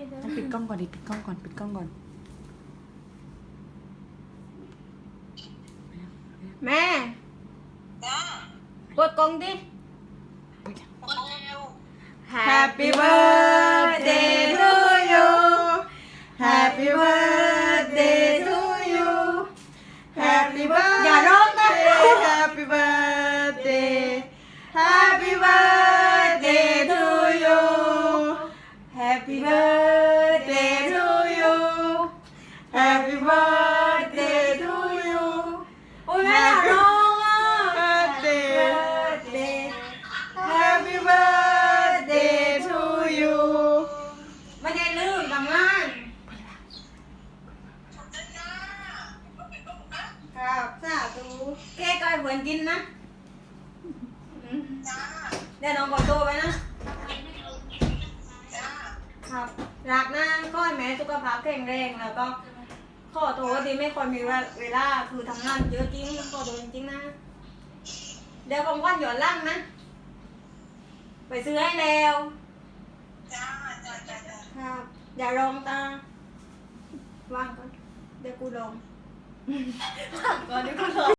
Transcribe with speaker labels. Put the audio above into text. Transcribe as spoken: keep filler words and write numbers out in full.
Speaker 1: เดี๋ยว
Speaker 2: ต้องปิดกล้องก่อนดิปิดกล้องก่อนปิดกล้องก่อน
Speaker 1: แม่เปิดกล้องดิ Happy birthday to you Happy birthday to you Happy birthday อย่าร้องนะ
Speaker 2: Happy birthday
Speaker 1: Happy birthday to you Happy birthday to you Happy birthday to you โอ้ยแม่อย่าร้องอ่ะ
Speaker 2: Birthday
Speaker 1: Birthday Happy birthday to you ไม่ได้ลืมทำงานครับสาธุเค้กก็ให้เพื่อนกินนะอืมเดี๋ยวน้องขอตัวไปนะ ครับรักนะก็ให้แม่สุขภาพแข็งแรงแล้วก็ขอโทษที่ไม่ค่อยมีเวลาคือทำงานเยอะจริงขอโทษจริงๆนะ เดี๋ยวของวันหย่อนล่างนะ ไปซื้อให้แล้วครับ อย่าลองตาวางก่อนเดี๋ยวกูลองวางก่อนเดี๋ยวกูลอง